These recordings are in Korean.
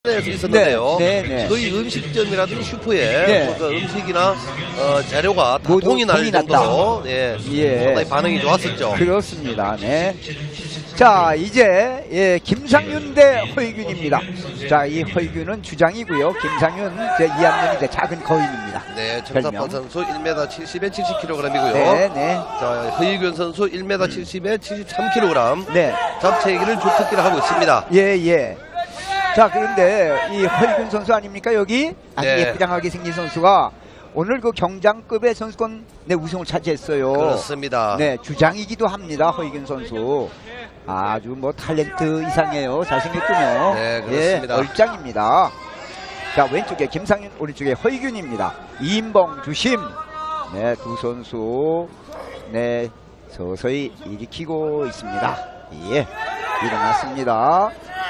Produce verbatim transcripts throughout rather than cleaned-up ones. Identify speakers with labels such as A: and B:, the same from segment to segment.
A: 에서 있었는데요.
B: 네, 네, 네.
A: 거의 음식점이라든지 슈퍼에
B: 네.
A: 그 음식이나 어, 재료가 다
B: 모두
A: 동이 날
B: 동이
A: 정도로 예,
B: 예.
A: 상당히 반응이 좋았었죠.
B: 그렇습니다. 네. 자, 이제 예, 김상윤 대 허이균입니다. 자, 이 허이균은 주장이고요. 김상윤 제 이 학년이 제 작은 거인입니다.
A: 네, 정사판 선수 일 미터 칠십에 칠십 킬로그램이고요.
B: 네, 네.
A: 자, 허이균 선수 일 미터 칠십에 칠십삼 킬로그램.
B: 네.
A: 잡채기를 주특기를 하고 있습니다.
B: 예, 예. 자, 그런데 이 허이균 선수 아닙니까? 여기 아주
A: 네.
B: 예쁘장하게 생긴 선수가 오늘 그 경장급의 선수권 네, 우승을 차지했어요.
A: 그렇습니다.
B: 네, 주장이기도 합니다. 허이균 선수. 아주 뭐 탤런트 이상해요. 잘생겼군요.
A: 네, 그렇습니다.
B: 예, 얼짱입니다. 자, 왼쪽에 김상윤, 오른쪽에 허이균입니다. 이인봉 주심. 네, 두 선수 네 서서히 일으키고 있습니다. 예, 일어났습니다.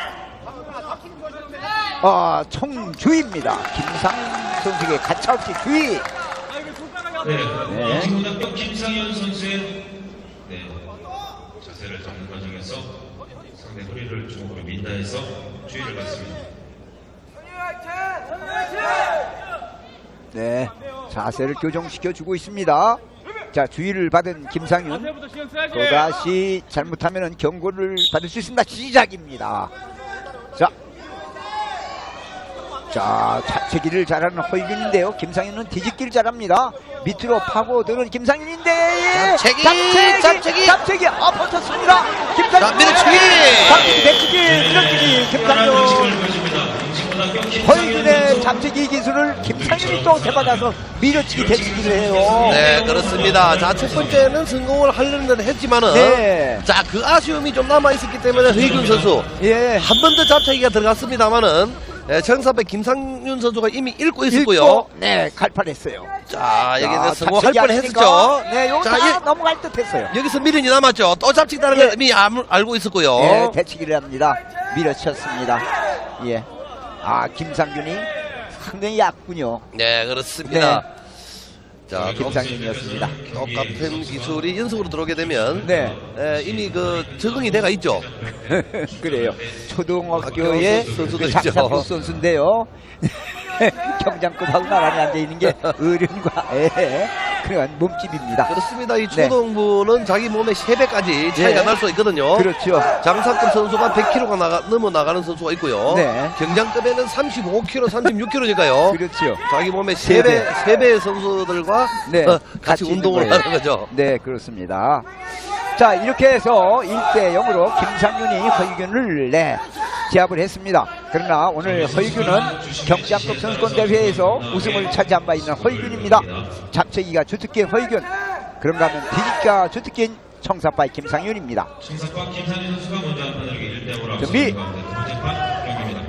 B: 아, 총주입니다. 김상윤 선수에게 가차없이 주의.
C: 네,
B: 네.
C: 영신고등학교 김상현 선수의 네, 자세를 잡는 과정에서 상대 허리를 주먹으로 민다 해서 주의를 받습니다.
B: 네, 자세를 교정시켜 주고 있습니다. 자, 주의를 받은 김상윤 또다시 잘못하면 경고를 받을 수 있습니다. 시작입니다. 자, 자, 잡채기를 잘하는 허이균인데요. 김상윤은 뒤집기를 잘합니다. 밑으로 파고드는 김상윤인데
A: 잡채기,
B: 잡채기,
A: 잡채기.
B: 잡채기, 아, 버텼습니다. 김상윤,
A: 자, 밀어치기.
B: 잡채기, 배치기, 밀어치기, 김상윤. 허이균의 잡채기 기술을 김상윤이 또 되받아서 밀어치기, 배치기를 해요.
A: 네, 그렇습니다. 자, 첫 번째는 성공을 하려는 했지만은
B: 네.
A: 자, 그 아쉬움이 좀 남아있었기 때문에 허이균 선수
B: 예.
A: 한 번 더 잡채기가 들어갔습니다만은 예, 정사배 김상윤 선수가 이미 읽고 있었고요.
B: 읽고, 네, 갈판했어요.
A: 자, 여기서
B: 자,
A: 성공할
B: 잡채기
A: 뻔했었죠.
B: 아닙니까? 네, 요거
A: 자,
B: 다
A: 이-
B: 넘어갈 듯 했어요.
A: 여기서 미련이 남았죠. 또 잡치기다는
B: 예.
A: 걸 이미 알- 알고 있었고요.
B: 예, 대치기를 합니다. 밀어쳤습니다. 예. 아, 김상균이 상당히 얕군요.
A: 네, 그렇습니다. 자,
B: 네, 김상균이었습니다.
A: 똑같은 기술이 연속으로 들어오게 되면
B: 네.
A: 예, 이미 그 적응이 돼가 있죠.
B: 그래요. 초등학교의
A: 학교 선수도
B: 그
A: 있죠.
B: 장사부 선수인데요. 경장급하고 나란히 앉아있는 게 어른과 애 그런 몸집입니다.
A: 그렇습니다. 이
B: 네.
A: 초등부는 자기 몸의 세 배까지 차이가
B: 네.
A: 날 수 있거든요.
B: 그렇죠.
A: 장사급 선수가 백 킬로그램가 나가, 넘어 나가는 선수가 있고요.
B: 네.
A: 경장급에는 삼십오 킬로그램, 삼십육 킬로그램니까요.
B: 그렇죠.
A: 자기 몸의
B: 세
A: 세
B: 배.
A: 배, 세 배의 선수들과
B: 네,
A: 어, 같이
B: 같이 있는
A: 운동을
B: 거예요.
A: 하는 거죠.
B: 네, 그렇습니다. 자, 이렇게 해서 일 대 영으로 김상윤이 허이균을 네, 제압을 했습니다. 그러나 오늘 허이균은 경장급 선수권 대회에서 우승을 차지한 바 있는 허이균입니다. 잡채기가 주특기인 허이균, 그런가 하면 뒤집기가 주특기인 청사파의 김상윤입니다.
C: 청사파 김상현 선수가 먼저 한 판을 일 대 영으로
B: 준비.
C: 앞서는 가운데 두 번째 판 경기입니다.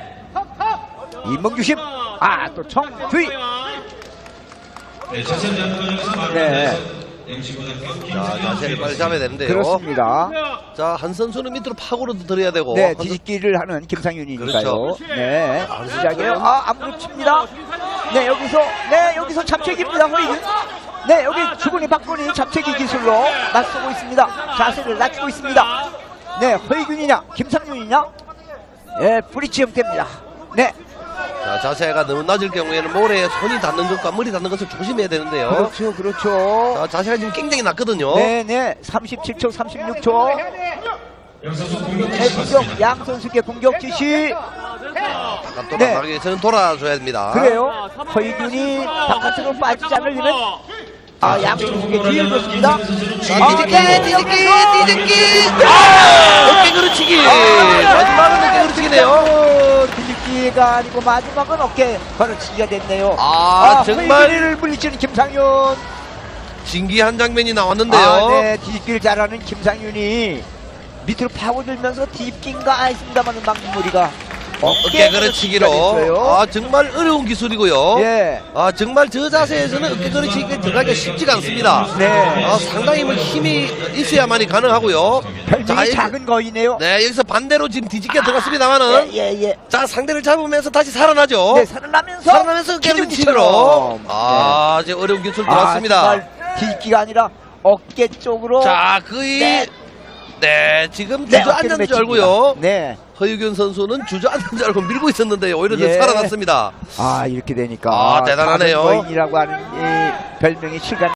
B: 이몽주심, 아, 또 청주의.
C: 네, 자세를 잡는 과정에서 말을
B: 네.
C: 해서 영신고등학교
A: 자,
C: 김상현
A: 자세를 빨리 잡아야 되는데요.
B: 그렇습니다.
A: 자, 한 선수는 밑으로 파고로도 들어야 되고.
B: 네,
A: 한 선-
B: 뒤집기를 하는 김상윤이니까요.
A: 그렇죠.
B: 네, 시작이에요. 아, 안무로 칩니다. 네, 여기서, 네, 여기서 잡채기입니다, 허이균. 네, 여기 주군이 박군이 잡채기 기술로 맞서고 있습니다. 자세를 낮추고 있습니다. 네, 허이균이냐, 김상윤이냐? 예, 브리치 형태입니다. 네,
A: 자, 자세가 너무 낮을 경우에는 모래에 손이 닿는 것과 머리 닿는 것을 조심해야 되는데요.
B: 그렇죠, 그렇죠.
A: 자, 자세가 지금 굉장히 낮거든요.
B: 네, 네, 삼십칠 초, 삼십육 초.
C: 양선수 공격
B: 네, 공격, 양 선수께 공격 지시.
A: 바깥
B: 네.
A: 돌아가기 위해서는 돌아줘야 됩니다.
B: 그래요. 허이균이 바깥으로 빠지지 않으려면 아, 양 선수께 뒤를 줬습니다.
A: 자, 뒤집기,
B: 네,
A: 뒤집기,
B: 여기서
A: 뒤집기.
B: 아!
A: 어깨 그르치기. 마지막은 어깨 그르치기네요.
B: 어, 뒤집기가 아니고 마지막은 어깨 걸어치기가 됐네요.
A: 아, 정말
B: 허이균이를 물리치는 김상윤.
A: 진기한 장면이 나왔는데요.
B: 아, 네, 뒤집기를 잘하는 김상윤이 밑으로 파고들면서 뒤집기인가 했습니다만 막무리가
A: 어깨 그르치기로.
B: 됐어요.
A: 아, 정말 어려운 기술이고요.
B: 예.
A: 아, 정말 저 자세에서는 어깨 그르치기가 들어가기가 쉽지가 않습니다.
B: 네.
A: 아, 상당히 뭐 힘이 있어야만이 가능하고요.
B: 별명이
A: 이-
B: 작은 거이네요.
A: 네, 여기서 반대로 지금 뒤집기가 들어갔습니다만은
B: 예, 예, 예.
A: 자, 상대를 잡으면서 다시 살아나죠.
B: 네, 살아나면서
A: 살아나면서 어깨 그르치기로.
B: 기둥기처럼.
A: 아, 이제 어려운 기술
B: 아,
A: 들어왔습니다.
B: 정말 뒤집기가 아니라 어깨 쪽으로.
A: 자, 거의
B: 네.
A: 네, 지금
B: 네,
A: 주저앉는 줄
B: 어깨를
A: 알고요.
B: 맺힙니다. 네.
A: 허유균 선수는 주저앉는 줄 알고 밀고 있었는데 오히려 좀
B: 예.
A: 살아났습니다.
B: 아, 이렇게 되니까
A: 아, 대단하네요.
B: 가슴 거인이라고 하는 이 별명이 실감